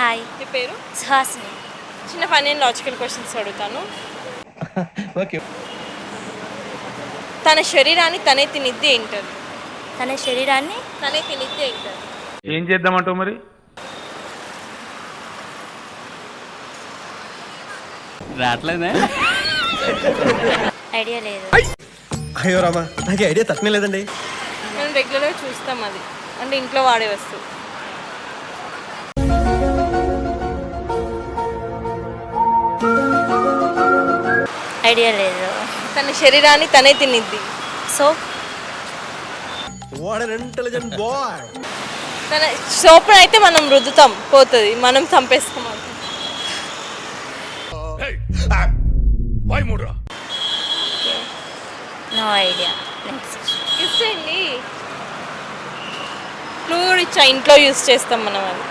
Hi. మీ పేరు? సుహాసిని. చిన్న funny and logical questions అడుగుతాను. ఓకే. తన శరీరాన్ని తనే తినిద్ది ఏంటది? తన శరీరాన్ని తనే తినిద్ది ఏంటది? ఏం చేద్దామంటావు మరి? రావట్లేదే. ఐడియా లేదు. అయ్యో రామా, నాకు ఐడియా తక్కువ లేదండి. మనం రెగ్యులర్గా చూస్తాం, అది అంటే ఇంట్లో వాడే వస్తువు. ఐడియా లేదు. తన శరీరాన్ని తనే తినిద్ది. Soap. What an intelligent boy. తన సోప్ను అయితే మనం రుద్దుతాం, పోతుంది, మనం చంపేస్తాం. No idea. నెక్స్ట్. ఇచ్చేయండి. ఫ్లూయిడ్ ఇచ్చా, ఇంట్లో యూస్ చేస్తాం మనం. అది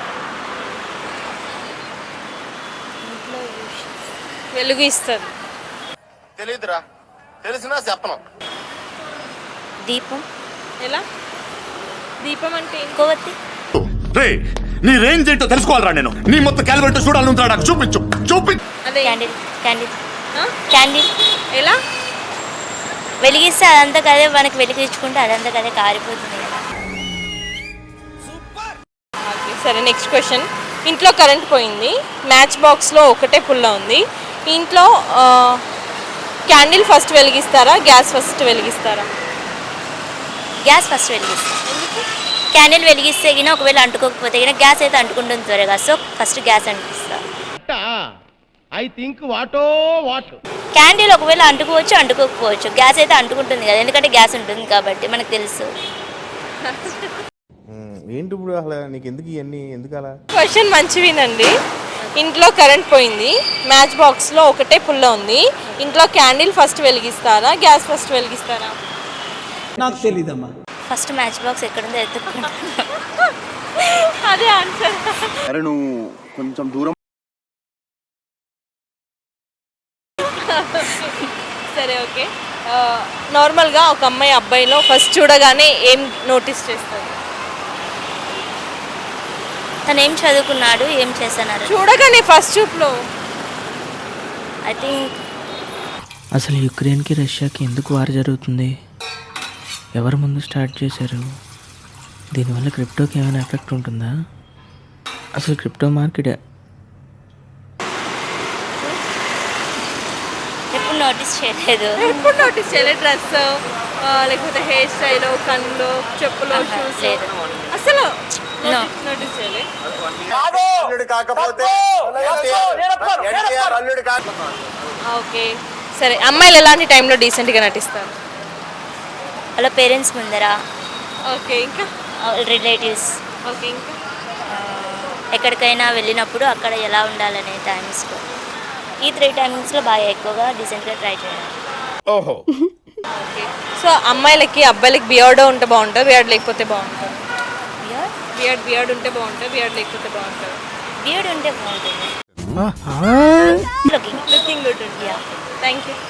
వెలుగు ఇస్తుంది. తెలీదురా, తెలిసినా చెప్పను. దీపం. ఎలా? దీపం అంటే కొవ్వొత్తి. నీ రేంజ్ ఏంటో తెలుసుకోవాలరా నేను. నీ మొత్తం క్యాలిబరేటర్ చూడాలంటా, నాకు చూపించు. అదే క్యాండిల్. క్యాండిల్. క్యాండిల్. ఎలా వెలిగిస్తే అదంతా కదే మనకి వెలిగించుకుంటే అదంతా కదే కారిపోతుంది కదా. సరే, నెక్స్ట్ క్వశ్చన్. ఇంట్లో కరెంట్ పోయింది, మ్యాచ్ బాక్స్లో ఒకటే పుల్ల ఉంది. ఇంట్లో క్యాండిల్ ఫస్ట్ వెలిగిస్తారా, గ్యాస్ ఫస్ట్ వెలిగిస్తారా? గ్యాస్ ఫస్ట్ వెలిగిస్తాం. క్యాండిల్ వెలిగిస్తే గిన ఒకవేళ అంటుకోకపోతే గిన గ్యాస్ అయితే అంటుకుంటుంది త్వరగా, సో ఫస్ట్ గ్యాస్ అంటిస్తా. I think what a what. Candle ఒకవేళ అంటుకోవచ్చు అంటుకోకపోవచ్చు, గ్యాస్ అయితే అంటుకుంటుంది కదా, ఎందుకంటే గ్యాస్ ఉంటుంది కాబట్టి మనకు తెలుసు. ఏంటి ఇప్పుడు అసలు నీకు ఎందుకు ఇవన్నీ ఎందుకు అలా? క్వశ్చన్ మంచివినండి. ఇంట్లో కరెంట్ పోయింది, మ్యాచ్ బాక్స్లో ఒకటే పుల్ల ఉంది. ఇంట్లో క్యాండిల్ ఫస్ట్ వెలిగిస్తారా, గ్యాస్ ఫస్ట్ వెలిగిస్తారా? నాకు తెలీదమ్మా. ఫస్ట్ మ్యాచ్ బాక్స్ ఎక్కడుందో ఎత్తుక్కుంటా. అదే ఆన్సర్. అరే నువ్వు కొంచెం దూరం. సరే, ఓకే. నార్మల్గా ఒక అమ్మాయి అబ్బాయిలో ఫస్ట్ చూడగానే ఏం నోటీస్ చేస్తారు? తను ఏం చదువుకున్నాడు, ఏం చేస్తున్నారు చూడగానే ఫస్ట్ చూపులో. ఐ థింక్ అసలు యుక్రెయిన్కి రష్యాకి ఎందుకు వార్ జరుగుతుంది? ఎవరు ముందు స్టార్ట్ చేశారు? దీనివల్ల క్రిప్టోకి ఏమైనా ఎఫెక్ట్ ఉంటుందా? అసలు క్రిప్టో మార్కెట్ ఎప్పుడు నోటీస్ చేయలేదు. ఎప్పుడు నోటీస్ చేయలేదు? డ్రెస్ లేకపోతే హెయిర్ స్టైల్, కళ్ళు, చెప్పులు, షూస్ లేదు. అసలు No. నోటీస్ చేయలేదు. ఓకే, సరే. అమ్మాయిలు ఎలాంటి టైంలో డీసెంట్గా నటిస్తారు? వాళ్ళ పేరెంట్స్ ముందర, ఓకే, ఇంకా రిలేటివ్స్, ఓకే, ఇంకా ఎక్కడికైనా వెళ్ళినప్పుడు అక్కడ ఎలా ఉండాలనే టైమ్స్లో, ఈ 3 టైమింగ్స్లో బాగా ఎక్కువగా డీసెంట్గా ట్రై చేయాలి. ఓహో. ఓకే. సో అమ్మాయిలకి అబ్బాయిలకి బియర్డ్ ఉంటే బాగుంటుంది, బియర్డ్ లేకపోతే బాగుంటుంది? బియర్డ్ ఉంటే బాగుంటుంది, బియర్డ్ లేకపోతే బాగుంటుంది? బియర్డ్ ఉంటే బాగుంటుంది. లుకింగ్ గుడ్ ఉంటుంది. Thank you.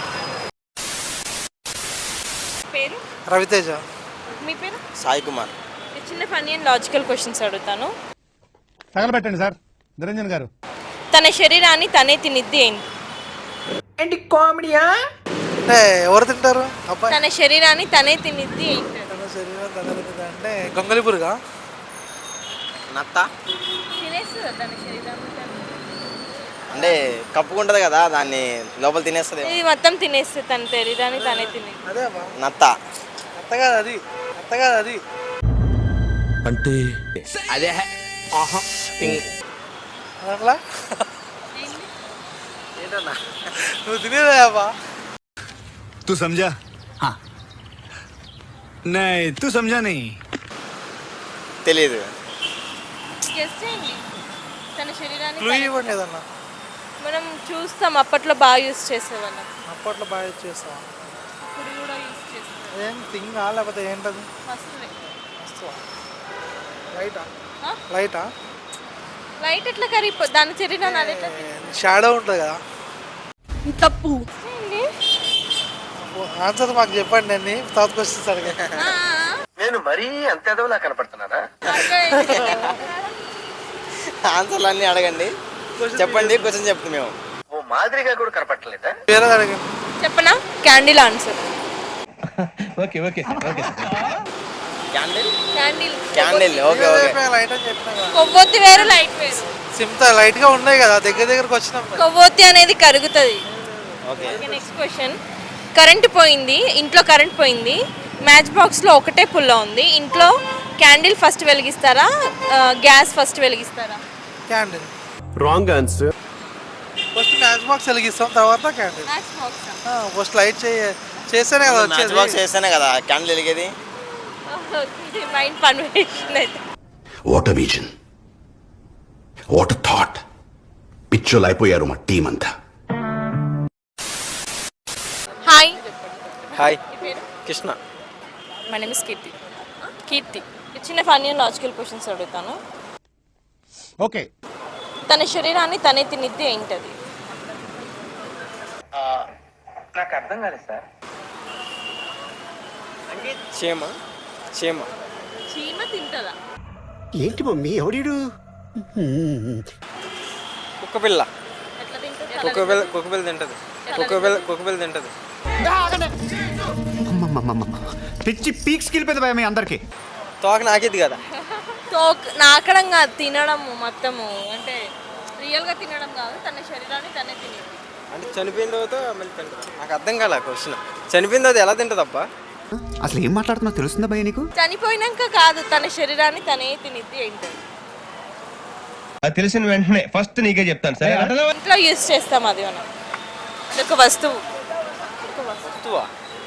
పేరు? రవితేజ. మీ పేరు? సాయి కుమార్. చిన్న ఫన్నీ అండ్ లాజికల్ క్వశ్చన్స్ అడుగుతాను. తగలబెట్టండి సార్ నిరంజన్ గారు. తన శరీరాన్ని తనే తినిద్ది ఏంటి? ఏంటి కామెడీయా? అంటే ఎవరు తింటారు? అబ్బాయి తన శరీరాన్ని తనే తినిద్ది ఏంటి? తన శరీరం తన తింటుందా అంటే గొంగళిపురుగా. నత్త తినేస్తుందా తన శరీరాన్ని? అంటే కప్పుకుంటది కదా, దాన్ని లోపల తినేస్తుంది. ఇది మొత్తం తినేస్తుంది, తన శరీరాన్ని తనే తినేది. అదే అబ్బా, నత్త. అత్త కాదు అది, అత్త కాదు అది. అంటే అదే అట్లా ఏంటన్నా నువ్వు తినేదా అబ్బా? तू समझा? हाँ. नहीं तू समझा नहीं. తెలీదు. గెస్ చేయండి. తన శరీరాన్ని క్లూ ఇవ్వండి ఏదన్నా. మనం చూస్తాం, అప్పట్లో బాగా యూస్ చేసేవాళ్ళం. అప్పట్లో బాగా యూజ్ చేస్తావా? ఇప్పుడు కూడా యూస్ చేస్తాం. ఏం థింగా లేకపోతే ఏంటది? వస్తుంది. వస్తువా? లైటా? ఆ? లైటా? లైట్ ఎట్లా కరిగిపో, దాని శరీరాన్ని అది ఎట్లా షాడో ఉంటుంది కదా. తప్పు. ఆన్సర్ మాకు చెప్పండి, అన్ని తర్వాత క్వశ్చన్స్ అడిగా. నేను మరీ అంత ఎదవలా కనపడుతున్నానా? ఆన్సర్లు అన్నీ అడగండి, చెప్పండి, క్వశ్చన్ చెప్తాం మేము. వేరే అడగండి. చెప్పనా? Candle answer. Candle candle candle okay okay. Light అని చెప్పినా కదా. కొవ్వొత్తి వేరు, లైట్ వేరు. సిమ్తా లైట్ గా ఉన్నాయి కదా, దగ్గరకు వచ్చినాం కదా. కొవ్వొత్తి అనేది కరుగుతుంది. Okay next question. కరెంట్ పోయింది, ఇంట్లో కరెంట్ పోయింది, మ్యాచ్ బాక్స్లో ఒకటే పుల్ల ఉంది. ఇంట్లో క్యాండిల్ ఫస్ట్ వెలిగిస్తారా, గ్యాస్ ఫస్ట్ వెలిగిస్తారా? Candle. Wrong answer. First match box వెలిగిస్తాం, తర్వాత candle. Match box. First light చేస్తేనే కదా మ్యాచ్ వచ్చేది. బాక్స్ చేస్తేనే కదా క్యాండిల్ వెలిగేది. మైండ్ పర్మిషన్ అయితే. What a vision, what a thought. పిచ్చోలు అయిపోయారు మా టీం అంతా. Hi. Hi Krishna. My name is Keerthi. Keerthi. చిన్న ఫన్నీ అండ్ లాజికల్ క్వశ్చన్స్ అడుగుతాను. ఓకే. తన శరీరాన్ని తనే తినిద్ది ఏంటది? చీమ. చీమ. చీమ తింటదా? ఏంటి మమ్మీ ఎవడీడు? కుక్కపిల్ల. ఎట్లా తింటది? కుక్కపిల్ల తింటది. కుక్కపిల్ల తింటది. పిచ్చి పీక్స్కి వెళ్ళిపోయింది భయ మీ అందరికి. తోక నాకిద్ది కదా. నాకడం కాదు, తినడం మొత్తము. అంటే రియల్గా తినడం కాదు, తన శరీరాన్ని తనే తినేది. అంటే చనిపోయిన తర్వాత మళ్ళీ తింటది. నాకు అర్థం కాలే క్వశ్చన్. చనిపోయిన తర్వాత ఎలా తింటదబ్బా? అసలు ఏం మాట్లాడుతున్నా తెలుస్తుందా భయ నీకు? చనిపోయినాక కాదు, తన శరీరాన్ని తనే తినిద్ది ఏంటది? అది తెలిసిన వెంటనే ఫస్ట్ నీకే చెప్తాను సరే. ఇంట్లో యూజ్ చేస్తాం అది మనం. ఒక వస్తువు. వస్తువా?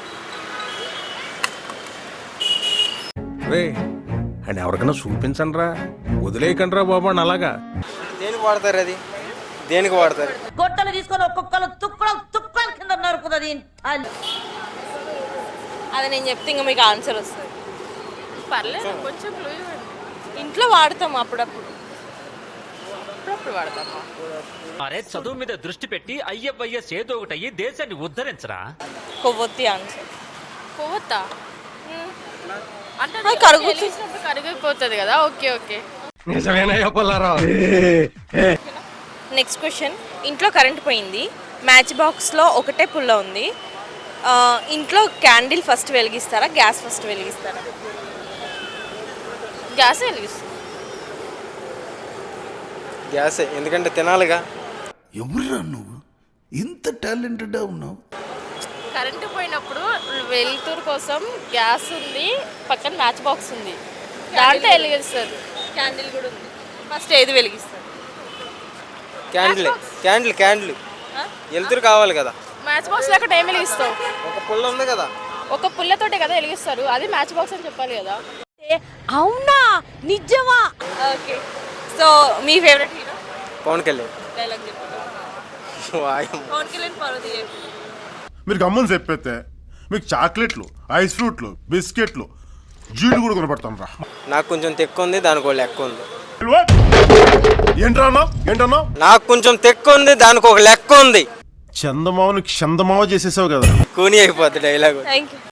అని ఎవరికైనా చూపించండి రా, వదిలేయకండి రా బాబు అని అలాగా. దేనికి వాడతారు అది? దేనికి వాడతారు? గొట్టలు తీసుకొని ఒక్కొక్కరు తుక్కల కింద నరుకుతుంది. అది నేను చెప్తే ఇంకా మీకు ఆన్సర్ వస్తుంది. పర్లేదు, కొంచెం ఇంట్లో వాడతాం అప్పుడప్పుడు వాడతాం. అరే చదువు మీద దృష్టి పెట్టి అయ్యవయ్యస్ ఏదో ఒకటి అయ్యి దేశాన్ని ఉద్ధరించరా. కొవ్వొత్తి ఆన్సర్. కొవ్వొత్తా అంటే కరిగిపోతుంది కదా. Okay okay. Next question. ఇంట్లో కరెంట్ పోయింది, మ్యాచ్ బాక్స్లో ఒకటే పుల్ల ఉంది. ఇంట్లో క్యాండిల్ ఫస్ట్ వెలిగిస్తారా, గ్యాస్ ఫస్ట్ వెలిగిస్తారా? గ్యాస్ వెలిగిస్తుంది. గ్యాసే, ఎందుకంటే తినాలిగా. ఎవరురా నువ్వు ఇంత టాలెంటెడ్ ఉన్నావు? కరెంటు పోయినప్పుడు వెలుతురు కోసం గ్యాస్ ఉంది, పక్కన మ్యాచ్ బాక్స్ ఉంది, దాంట్లో వెలిగిస్తారు. క్యాండిల్ కూడా ఉంది. ఫస్ట్ ఏది వెలిగిస్తారు? క్యాండిల్. క్యాండిల్ క్యాండిల్ వెలుతురు కావాలి కదా. మ్యాచ్ బాక్స్ లేకుండా ఏం వెలిగిస్తావు? ఒక పుల్ల ఉంది కదా, ఒక పుల్లతోటే కదా వెలిగిస్తారు. అది మ్యాచ్ బాక్స్ అని చెప్పాలి కదా. అవునా, నిజమా? ఓకే. సో మీ favourite hero? Pawan Kalyan. Dialogue చెప్పండి. పవన్ కళ్యాణ్ పార్వతి. మీరు గమ్మని చెప్పేస్తే మీకు చాక్లెట్లు, ఐస్ ఫ్రూట్లు, బిస్కెట్లు, జీడి కూడా కొనపడతాను రా. నాకు కొంచెం తెక్కు ఉంది, దానికి ఒక లెక్క ఉంది. ఏంటన్నా? నాకు కొంచెం తెక్కు ఉంది, దానికి ఒక లెక్క ఉంది. చందమామని క్షందమావ చేసేసావు కదా. కూని అయిపోద్ది డైలాగ్. Thank you.